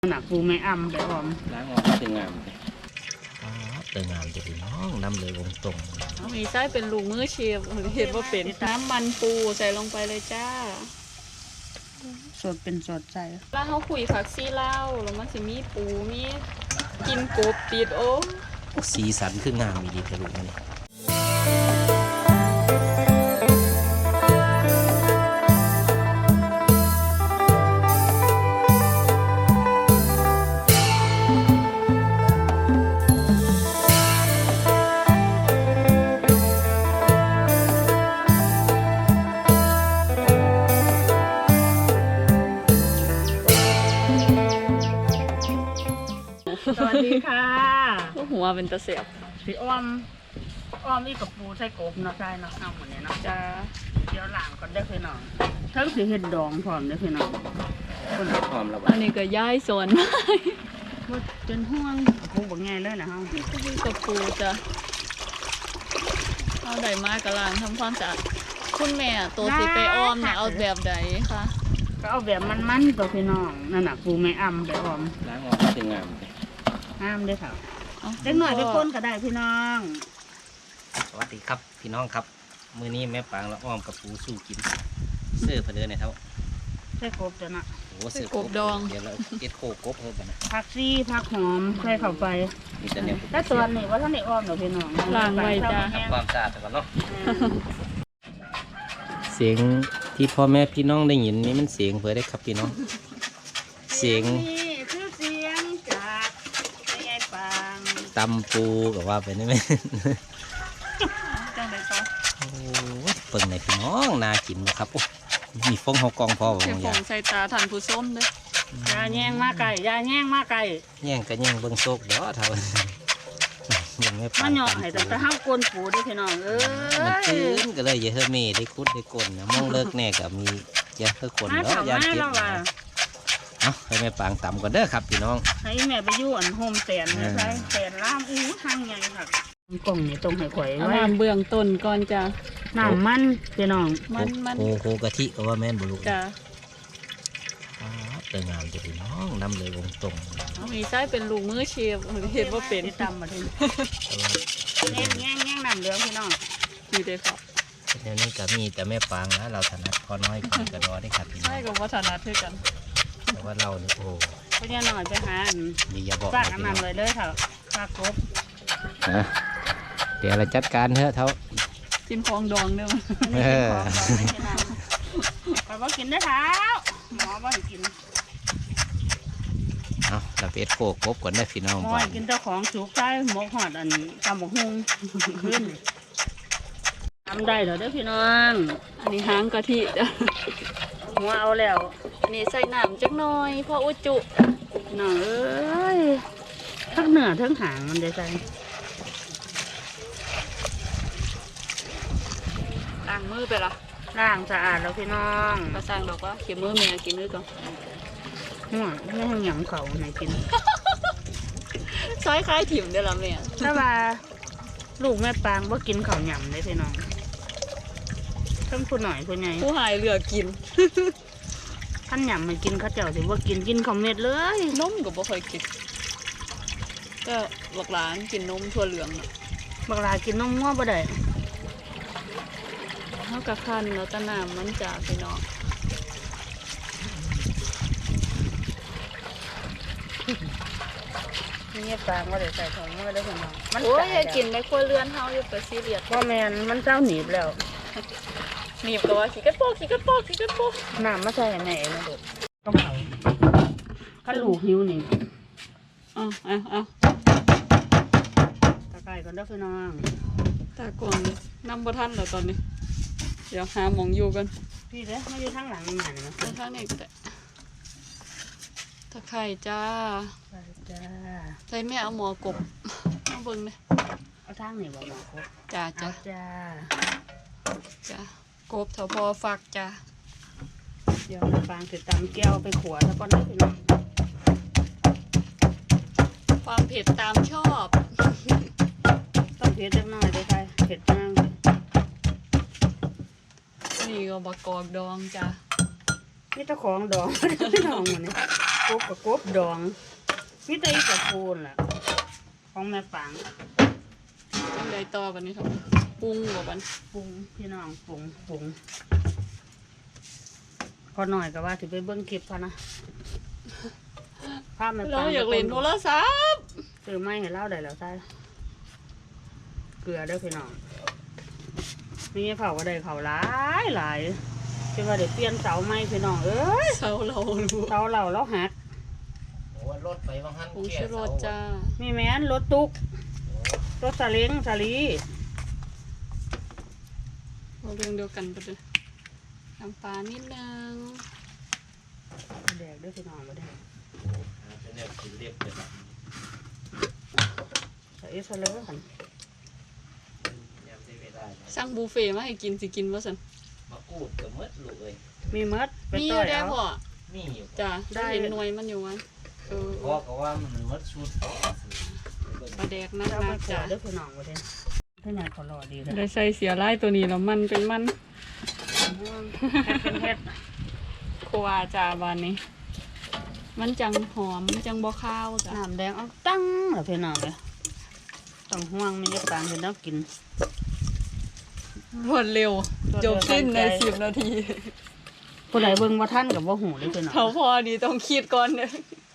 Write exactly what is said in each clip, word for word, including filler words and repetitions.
หนักปูไม่อ้ำไปออมล้างออกเป็นงามอ๋อเป็นงามจะดีน้องน้ำเลยวงตรงมีไส้เป็นลูกมือเชฟเห็นว่าเป็นน้ำมันปูใส่ลงไปเลยจ้าสดเป็นสดใจแล้วเขาคุยผักซีเล่าแล้วมันจะมีปูมีกินกบติดโอ้สีสันคืองามมีดีทะลุนี่สวัสดีค่ะหัวเป็นตะเสียบสีอ้อมอ้อมอีกับปูใส่กบเนาะใช่เนาะเอาหมดเนี่ยเนาะจ้าเดี๋ยวหลังก่อนได้คือน้องทั้งสีเห็ดดองพร้อมได้คือน้องคนพร้อมแล้วอันนี้ก็ย้ายสวนว่าจนห่วงปูบอกไงเลยนะฮะนี่กับปูจ้ะเอาใดมากกระลางทำความสะอาดคุณแม่ตัวสีไปอ้อมเนี่ยเอาแบบใดคะก็เอาแบบมันๆตัวพี่น้องนั่นน่ะปูไม่อ้ำไปออมล้างออกเป็นงามงามด้วยค่ะเล็กหน่อยไปคนก็ได้พี่น้องสวัสดีครับพี่น้องครับมื้อนี้แม่ปางและอ้อมกับปูสู้กินเสื้อเพลินเนี่ยเท่าใส่กบจ้ะนะโอ้เสื้อกบดองเดี๋ยวเราเอ็ดโคกบเพิ่มกันนะผักซีผักหอมใส่เข้าไปมีแต่เนี่ยแต่ส่วนนี้ว่าท่านได้อ้อมหรอพี่น้องล้างไว้จ้าทำความสะอาดก่อนเนาะเสียงที่พ่อแม่พี่น้องได้ยินนี่มันเสียงเพื่อได้ครับพี่น้องเสียงคือเสียงจากยายปางตำปูกับว่าไปนี่ไหมจังไดต่อโอ้เปิ่งในพี่น้องน่ากินนะครับโอ้มีฟองหอกองพอผมอยากใส่ตาทันผู้ส้มเลยยาแย่งมาไก่ยาแย่งมาไก่แย่งก็แย่งเบิ้งโซกเด้อเท่ายังไม่ปังมันหยอกให้แต่ห้ามกลนปูด้วยพี่น้องเอ้ยมันตื้นก็เลยเยอะเมย์ได้คุดได้กลนนะมองเลิกแน่กับมีเยอะเพื่อกลนแล้วยาเก็บเอาให้แม่ปางต่ำก่อนเด้อครับพี่น้องให้แม่ไปยุ่อันโฮมแสนนะใช่แสนล่ามอู้ทางไงค่ะกล่องนี่ตรงให้ข่อยไว้น้ำเบื้องต้นก่อนจ้ะน้ำมันพี่น้องมันมันโคโคกะทิก็ว่าแม่นบุรุษจ้ะเติมงามจะดีน้องน้ำเลยวงตรงมีไส้เป็นลูกมือเชฟเห็นว่าเป็นตำมาทีแง่แง่แง่น้ำเหลืองพี่น้องดีเลยครับเดี๋ยวนี้ก็มีแต่แม่ปางนะเราถนัดพอน้อยกินกระดอได้ครับใช่กับว่าถนัดเท่ากันแต่ว่าเราเนี่ยโอ้ก็เนี่ยหน่อยไปหาดีอย่าบอกฝากน้ำเลยเลยเถอะฝากครบเดี๋ยวเราจัดการเถอะเท่ากินฟองดองเด้อเออไปว่ากินได้เท้าหมอว่าให้กินเอาเราเป็ดโคกบก่อนได้พี่น้องหมอกินเจ้าของสุกใต้หมกหอดอันตำบกฮุงขึ้นทำได้เหรอเด้อพี่น้องอันนี้หางกะทิจ้ะหัวเอาแล้วนี่ใส่น้ำจักหน่อยพออุจุหน่อยเอ้ยทั้งเหนือทั้งหางมันได้ใส่ล้างมือไปละล้างสะอาดแล้วพี่น้องกระซังดอกว่าเขียมือเมียกินด้วยก่อนหัวไม่ให้หยำเขาไหนกินซอยคล้ายถิ่มเด้อละเมียถ้าว่าลูกแม่ปางว่ากินเขาหยำได้พี่น้องทั้งผู้หน่อยผู้ใหญ่ผู้หายเหลือกินท่านหยำมันกินข้าวเจ้าสิว่ากินกินข้าวเม็ดเลยนมกับบ่เคยกินก็บักหลานกินนมถั่วเหลืองน่ะบักหลากินนมง้อบ่ได้เท่ากับขั้นแล้วตะน้ำมันจะพี่น้องนี่ปางว่าเดี๋ยวใส่ถุงมาได้พี่น้องโอ้ยอย่ากินไม่ควรเลื่อนเท้าอยู่ไปซีเรียสว่าแมนมันเจ้าหนีบแล้วหนีบก็ว่าขี้กันโป๊กขี้กันโป๊กขี้กันโป๊กน้ำมาใส่แม่เองนะเด็กต้องเผาถ้าลูกหิวนี่เอาเอาเอาตะไคร้ก่อนเด้อพี่น้องตะก่อนน้ำบะทันแล้วตอนนี้เดี๋ยวหาหมองอยู่กันพี่เด้อไม่อยู่ทางหลังนี่นะทางนี้ก็ได้ตะไคร้จ้าจ้าใส่แม่เอาหมอกบเอาเบิ้งเลยเอาทางนี่บอกหมอกบจ้าจ้าจ้าจ้ากบเถาพอฝักจ้าเดี๋ยวเราฟางติดตามแก้วไปขวดแล้วก็ได้พี่น้องความเผ็ดตามชอบต้องเผ็ดเล็กน้อยเลยค่ะเผ็ดมากนี่ก็บักกอกดองจ้านี่ตะของดองพี่น้องมันนี่กบกับกบดองมีแต่อีกระปูนล่ะของแม่ปังทำไรต่อบันนี้ครับปรุงบ่บันปรุงพี่น้องปรุงปรุงพอหน่อยก็ว่าถือไปเบิ้งคลิปพอนะภาพแม่ปังเราอยากเล่นโทรศัพท์ซื้อไม้ให้เล่าได้แล้วใช่เกลือเด้อพี่น้องมีเผาก็ได้เขาหลายหลายจะว่าเดี๋ยวเปลี่ยนเสาไม้พี่น้องเอ้ยเสาเรารู้เสาเราแล้วหักโอ้รถไปบางหันผงชูรสจ้ามีแม้นรถตุกรถสลิงสลีเราเรื่องเดียวกันไปเลยน้ำปลานิดนึงแดกเด้วยพี่น้องมาแดกเป็นแบบสีเรียบเลยใส่เอสเลยกันยำได้เวลาสั่งบุฟเฟ่ต์มาให้กินสิกินว่าสันมากูดกับมดลูกเลยมีเมดไปมีอต่อยู่ ยได้เอาพ่อมีอยู่จ้าได้ได้เห็นหน่วยมันอยู่วันเออพ่อก็ว่ามันมดชุดปลาแดกนักเอานัไปกขวจ้าดเด้วยพี่น้องมาแดกถ้าอยากขอรอดีเลยได้ใส่เสียไล่ตัวนี้แล้วมันเป็นมันเฮ็ดเป็นเฮ็ดครัวจ้าบานนี้ มันจังหอมจังบ่ข้าวจ้าน้ำแดงเอาตั้งเหรอพี่น้องเลยต้องห่วงมีเยอะปางเห็นแล้วกินรวดเร็ว จบสิ้นในสิบนาทีผู้ใดเบิ่งว่าท่านกับว่าหูเลยพี่น้องเขาพอดีต้องคิดก่อนเนี่ย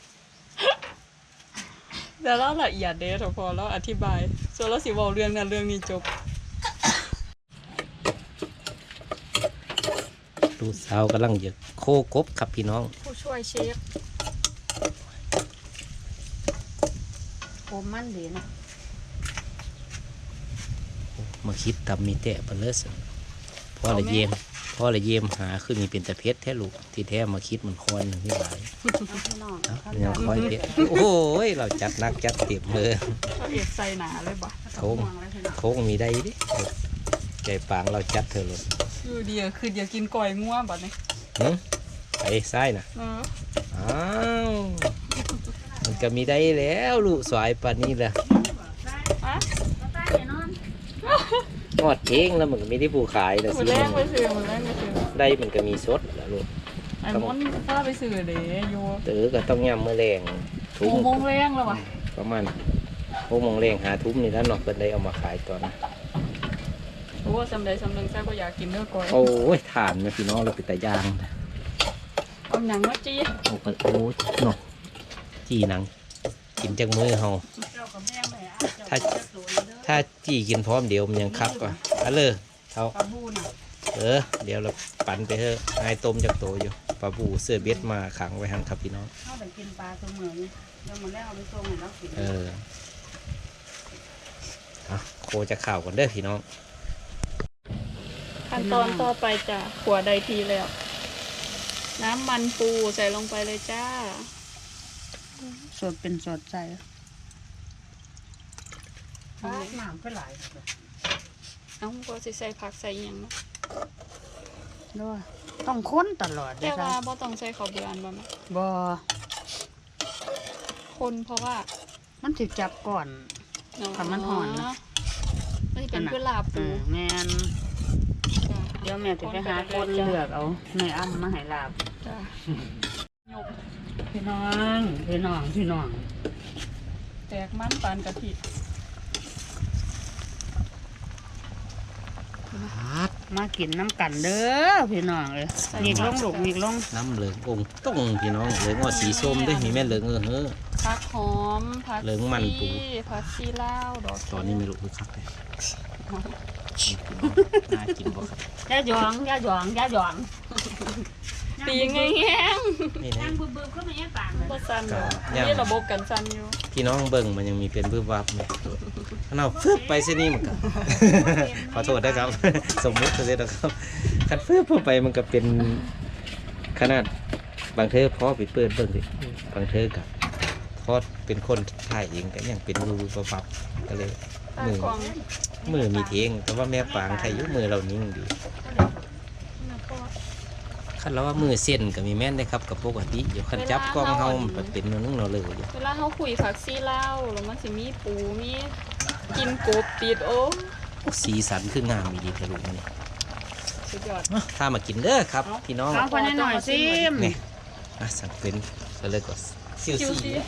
แต่เราละเอียดเด้อพอเราอธิบายส่วนเราสิเว้าเรื่องนั้นเรื่องนี้จบลูกสาวกำลังจะโคกบครับพี่น้องผู้ช่วยเชฟผมมันดีนะมาคิดตำมีแตะเปลือสพ่อละเยมพ่อละเยมหาคือมีเป็นตะเพชรแท้ลูกที่แท้มาคิดมันคอนหนึ่งที่หลายเอาพี่น้องเอ้าขั้นยังตอนคอยเพชรโอ้ยเราจัดหนักจัดเต็มเลยเขาเอ็ดใส่หนาเลยบ่โค้งห่วงเลยพี่น้องโค้งมีได้ดิใจปางเราจัดเธอเลยอยู่เดียวคืออยากกินก่อยง่วบัดนี้หึไปซ้ายนะเอออ้าวมันก็มีได้แล้วลูกสายปานนี้แหละอะก็ใต้แน่นอนงอดเองแล้วมันก็ไม่ได้ผู้ขายแล้วมือแรกไปซื้อมือแรกไปซื้อได้มันก็มีสดแล้วลูกไอ้มอนพาไปซื้อเด้อยู่เต๋อก็ต้องย่ำมือแรงทุหงกโมงแรงแล้ววะประมาณหกโมงแรงหาทุ่มนี่แล้วเนอกเพิ่นได้เอามาขายตอนโอ้สำใดสำหนึ่งแซ่บก็อยากกินเนื้อก่อยโอ้ยทานนะพี่น้องเราไปแต่ยางเอาหนังมาจี้โอ้โหเนาะจีหนังกินจากมือเฮาเจ้ากับแม่แม่อาจจะถ้าเจ้าตัวนี้เด้อถ้าจีกินพร้อมเดียวมันยังคักกว่าเอาเลยเท่าปลาบูน่ะเออเดี๋ยวเราปั่นไปเถอะไอ้ต้มจากโตอยู่ปลาบูเสื้อเบ็ดมาขังไว้หันครับพี่น้องเข้าไปกินปลาเสมอนี่แล้วมันแล้วเอาไปส่งให้เรากินเออเอาโคจะข่าวก่อนเด้อพี่น้องขั้นตอนต่อไปจ้ะขัวได้ทีแล้ว น้ำมันปูใส่ลงไปเลยจ้าสดเป็นสดใจปลาน้ำก็หลายเลยเอ้าก็สิใส่ผักใส่หยังเนาะด้วยต้องค้นตลอดเลแต่ยว่าจ้ะบ่ต้องใส่ข้าวเบือนบ่แม่บ่คนเพราะว่ามันสิจับก่อน ถ้ามันห่อนนะมันสิเป็นเพื่อลาบเอปูอแม่นจ้ะเดี๋ยวแม่จะไปหาคนเลือกเอาแม่อ้ำมาให้ลาบจ้ะยกพี่น้องพี่น้องพี่น้องแตกมันปานกะทิมากินน้ำกันเด้อพี่น้องเอ้ยมีกลงลูกมีกลงน้ำเหลืององค์ต้องพี่น้องเหลืองงอสีส้มด้วยมีแม่เหลืองเออเฮ้อผักหอมผักเหลืองมันปูชีผักชีลาวดอกตอนนี้ไม่รู้คือคักเลยน่ากินบ่ครับย่าหยองย่าหยองย่าหยองตีไงแห้งนี่นะนั่งบึ้บๆก็ไม่ยังต่างเลยบ่สั่นดอกย่างนี่ระบบกันสั่นอยู่พี่น้องเบิ่งมันยังมีเป็นบื้อวับไหมขนาดฟึบไปเส้นนี้มันก็ ขอโทษนะครับ สมมุติเลยนะครับคันฟึบเข้าไปมันก็เป็นขนาดบางเธอพอไปเปิดเบิ่งดิบางเธอกับพอเป็นคนถ่ายเองก็ยังเป็นมือวับๆก็เลยตามือกล่องมือมีเทงแต่ว่าแม่ปางใครอยุมือเรานิ่งดีนะพ่อคันเราว่ามือเส้นก็มีแม่นได้ครับกับปกติอยู่คันจับกล้องเฮามันเป็นนึงเราเลยอยู่เวลาเฮาคุยผักชีลาวแล้วมันสิมีปูมีกินกบติดโอ้สีสันคืองามมีดีทะลุมันนี่สุดยอดถ้ามากินเด้อครับพี่น้องเอาคนหน่อยซิมนี่อ่ะสั่งเป็นก็เลยก็ซิวคิวซี่ซี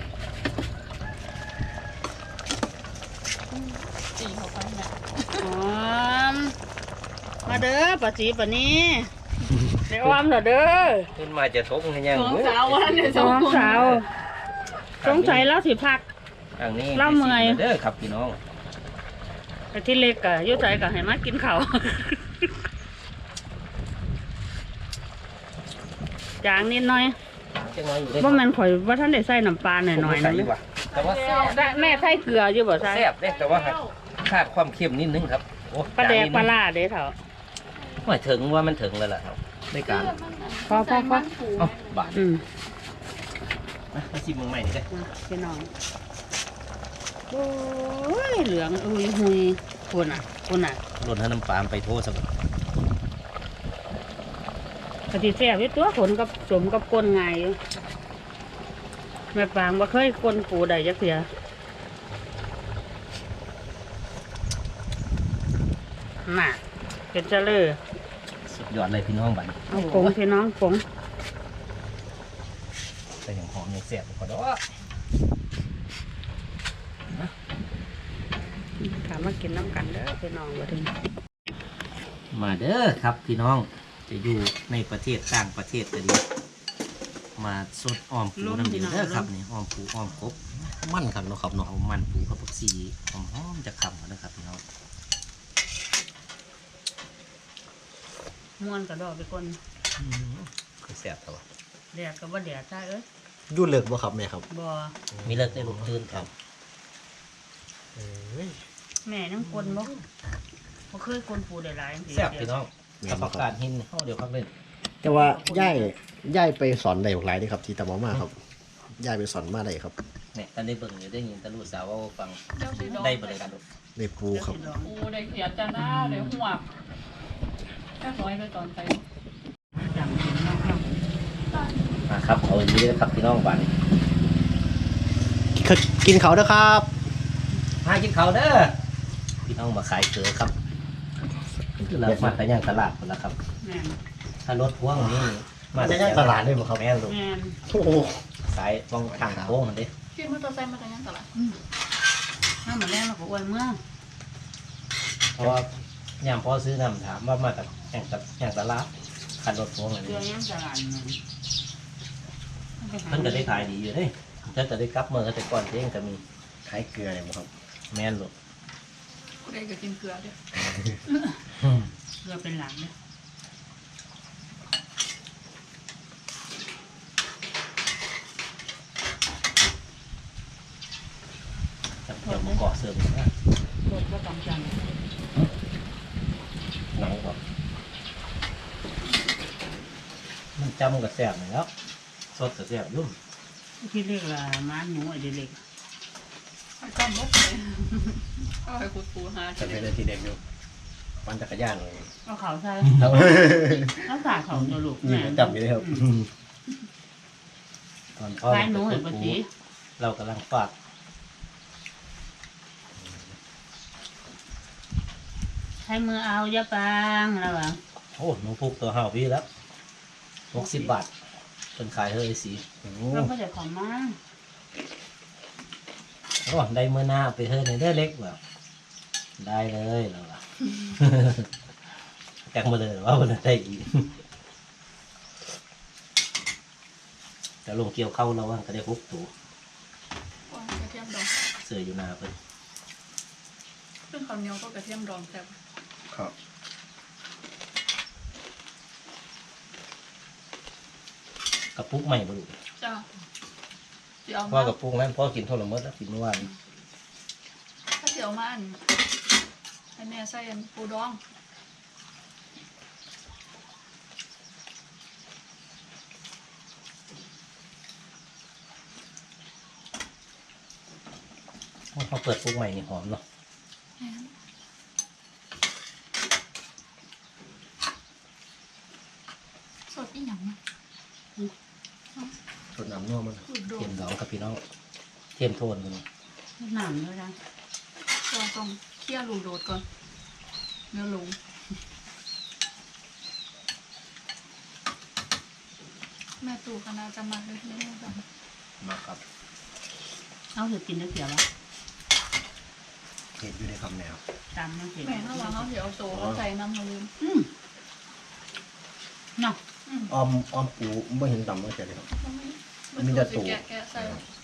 จีเขาไปแม่หอมมาเด้อป้าจีป้านี้เดี๋ยวอ้อมเหรอเด้อขึ้นมาจะทงให้ยังสองสาววันเนี่ยสสออง งคนสาวสงสัยแล้วสิพักทางนี้เล่าเมื่อยเด้อครับพี่น้องไอ้ที่เล็กอะอยุ่ใจกับให้มากินข้าว จางนิดหน่อยจังน้อยอยู่เด้ว่ามันข่อยว่าท่านได้ใส่น้ำปลาหน่อยหน่อยผมนะใส่อยู่ว่ะแต่ว่าแซ่บได้แม่ใส่เกลืออยู่บ่ใส่แซ่บเด้แต่ว่าขาดความเค็มนิดนึงครับโอ้ปลาแดกจนนินึงปลาล่าเด้อเถอะว่าถึงว่ามันถึงแล้วล่ะครับในการพอพอพอเอ้าบาทอืมมามาชิมมึงใหม่นี่เลยมาพี่น้องโอ้ยเหลืองอุ้ยหุยคุณอ่ะคุณอ่ะรดน้ำปลาไปโทษสักกะทิแซ่บอยู่ตัวขนกับสมกับก้นไงายอยู่แม่ปางบ่เคยก้นปูใดจักเสียน่ะเป็นเจริญสุดยอดเลยพี่น้องบัดนี้เอาผงพี่น้องผงแต่อย่างหอมอย่างแซ่บกว่าดอกถามมากินน้ำกันเด้อพี่น้องบ่ถึงมาเด้อครับพี่น้องจะอยู่ในประเทศต่างประเทศก็ดีมาสดอ้อมปูน้ำเดือดเด้อครับนี่อ้อมปูอ้อมกบมันครับเนาะครับเนาะเอามันปูกับผักชีหอมๆจะคำกันนะครับพี่น้องม่วนกระดอกไปก่อนคือแซ่บแต่ว่าแดดก็บ่แดดใช่เอ้ยดูเลิกบ่ครับแม่ครับบ่มีเลิกได้ลูกตื่นครับเอ้ยแม่ยังกลนบ่บ่เคยกลนปูได้หลายจังซี่แซ่บพี่น้องกับผักกาดหินเข้าเดี๋ยวพักเล่นแต่ว่าย่ายย่ายไปสอนได้หลายเด้ครับ ที่ตะมอมาครับย่ายไปสอนมาได้ครับเนี่ยตอนได้เบิ่งอยู่ได้ยินตาลูกสาวว่าฟังเจ้าสีดองได้บ่ได้กันลูกได้ปูครับเดี๋ยวสิลองปูได้เขียดจ้าหน้าได้หัวแค่น้อยเลยตอนไปจังกินเนาะครับมาครับเอาอย่างนี้นะครับพี่น้องบ้านนี้กินเขาเด้อครับมากินข้าวเด้อพี่น้องมาขายเกลือครับคือเรามาแต่ย่างตลาดหมดแล้วครับแม่นถ้ารถพ่วงนี่มาจะย่างตลาดได้บ่ครับแม่นลูกแม่นโอ้โหสายฟองทางโค้งอันนี้ขี่มอเตอร์ไซค์มาจากยังตลาดถ้ามาแรงเราก็อวยเมื่อเพราะว่ายามพ่อซื้อน้ำถามว่ามาจากแห่งกับแห่งตลาดคันรถพ่วงอันเดืนี้อนยังตลาดนั่นมันก็ได้ขายดีอยู่เด้ถ้าจะได้กลับเมื่อแต่ก่อนเองก็มีขายเกลือเลยบ่ครับแม่นลูกได้ก็กินเกลือเด้อเรือเป็นหลังเนี่ยจับเกี่ยวมาเกาะเสริมนะรถก็ต้องจังหนังก็มันจำกับแสบหน่อยแล้วสดกับแสบยุ่มที่เรียกว่าม้านหมูไอ้เด็กไปจำรถเลยเอาให้คุณปูหาจะเป็นอะไรที่เด็กอยู่ปั่นจักรยานเลยๆเอาเขาใส่แล้วเอาสาเขาตัวลูกยิงแม่จับอยู่เลยครับตอนพ่อคล้ายหนูเห็นปะจีเรากำลังฝากให้มือเอาอย่าปางแล้วอ่ะโอ้หนูพุกตัวเห่าพี่แล้วหกสิบบาทเป็นขายเฮ้ยสีโอ้เราก็จะขอมาโหได้เมื่อหน้าเอาไปเฮ้ยในได้เล็กแบบได้เลยเราล่ะ แกงมาเลยว่ามันได้อีกแต่ลงเกี่ยวเข้าแล้วว่าก็ได้พุกตัวกระเทียมดองเสืออยู่หนาเพิ่นซึ่งข้าวเหนียวก็กระเทียมดองแซ่บครับกระปุกใหม่บ่ลูกจ้าเดี๋ยวพ่อมากับปุกนั้นพ่อกินเท่าไหร่เมื่อแล้วกินเมื่อวานถ้าเดี๋ยวมาอันให้แม่ใส่อันปูดองเขาเปิดปุกใหม่นี่หอมเนาะสดอีหยังนะสดน้ำนัวมันสูตรโดเทียนมดองกับพี่น้องเทียมโทนมันหนามด้วยนะเราต้องเคี่ยวลูกโดดก่อนเนื้อลงแม่ตู่คณะจะมาเลยไม่ต้องมาครับเอาถือกินได้เสียวะเห็ดอยู่ในคำแนวตามมันเสียแม่ถ้าว่าเขาเดี๋ยวโตเขาใส่น้ำเขาลืมอืมเนาะอ้อมอ้อมปูไม่เห็นตำไม่เจอเลยครับมันมีแต่ตู่แกะแกะใส่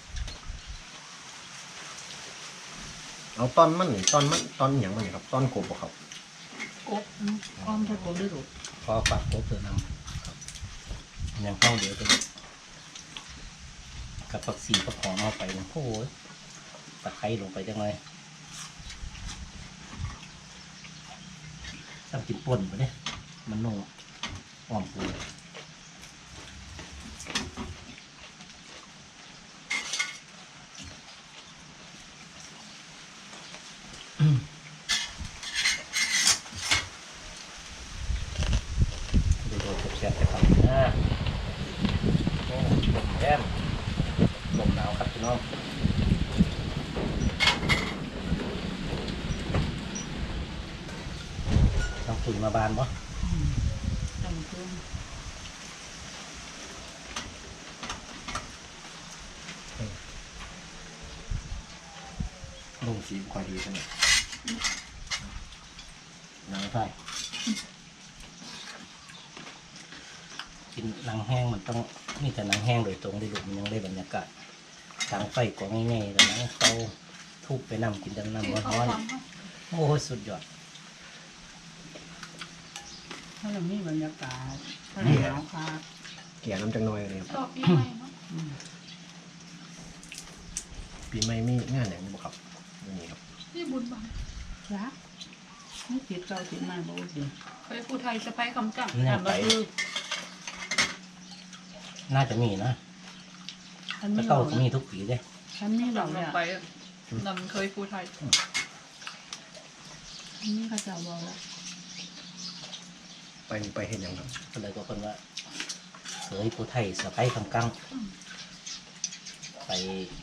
เอาตอนมันนี่ตอนมันตอนอย่างมันนี่ครับตอนกบบ่ครับกบอืมอ้อมใส่กบด้วยถูกพอฝากโต๊ะเตือนนำครับยังเข้าเดี๋ยวจะกับผักสีกับหอมเอาไปนะโอ้ยตะไคร้ลงไปจังเลยทำกินป่นไปเนี่ยมันนุ่มอ่อมปูดูโดนแซ่บๆไปครับนะโอ้ลมแย้มลมหนาวครับพี่น้องต้องฝุ่นมาบานปะจำเครื่องลงสีค่อยดีใช่ไหมหนังไส้กินหนังแห้งมันต้องนี่แต่หนังแห้งโดยตรงได้ดูมันยังได้บรรยากาศทางไฟกว่าง่ายๆแต่หนังเขาทุบไปนำกินจนน้ำที่เขาร้อนทำเขาๆโอ้ยสุดยอดถ้าเรามีบรรยากาศถ้าหนาวค่ะเกี่ยน้ำจังน้อยเลยครับชอบพี่ใหม่เนาะอืมปีใหม่มีงานอย่างนี้บ่ครับไม่มีครับที่บุญบังรักไม่ติดเก่าติดใหม่บ่ดีเคยผู้ไทยสะพ้ายคำจังเนี่ยแต่ไปก็คือน่าจะมีนะฉันแล้ไม่วบเก้าอกจะนะมีทุกปีเลยฉันไม่บลอกงเลยอะไปนำเคยผู้ไทยฉันนี่เขาจะบอกแล้วไปไปเห็นอย่างครับก็เลยก็คนว่าเสยผู้ไทยสะไปคำกังไป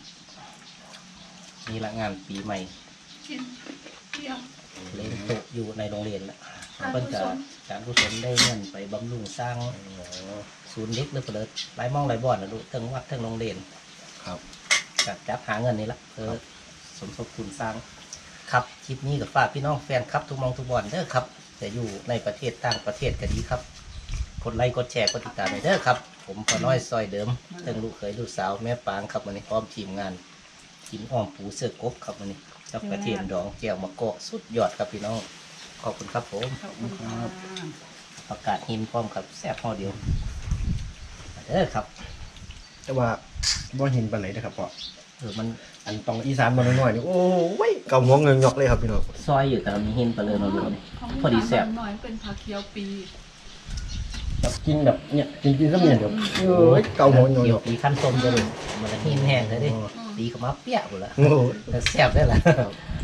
นี่ละงานปีใหม่กินเที่ยงเล่นโต๊ะอยู่ในโรงเรียนแหละเพิ่นจะการกุศลได้เงินไปบำรุงสร้างศูนย์เด็กหรือเปล่าหลายหมองหลายบ่อนนะลูกทั้งวัดทั้งโรงเรียนครับจัดจับหาเงินนี่ละเพื่อสมทบทุนสร้างครับคลิปนี้กับฝากพี่น้องแฟนครับทุกหมองทุกบ่อนเด้อครับจะอยู่ในประเทศต่างประเทศก็ดีครับกดไลค์กดแชร์กดติดตามไปเด้อครับผมพอน้อยซอยเดิมทั้งลูกเขยลูกสาวแม่ปางครับวันนี้พร้อมทีมงานกินอ้อมปูเสื้อกบครับวันนี้กับกระเทียมดองแก้วมะกอกสุดยอดครับพี่น้องขอบคุณครับผมขอบคุณค่ะประกาศหินพร้อมครับแซ่บห่อเดียวเด้อครับแต่ว่าบ่เห็นปานไหนนะครับพ่อเออมันอันตองอีสานมาน้อยๆนี่โอ้ยเกาหัวเงยงอกเลยครับพี่น้องซอยอยู่แต่มีหินไปเลยเราดูนี่พอดีแซ่บหน่อยเป็นผักเคียวปีแบบกินแบบเนี่ยกินกินสักเนี่ยเดี๋ยวเอ้ยเกาหัวเงยเกี่งยวอกปีขั้นส้มจะเลยมันหินแห้งเลยดิตีกับมาเปี้ยหมดละโอ้โหแต่แซ่บได้แหละอ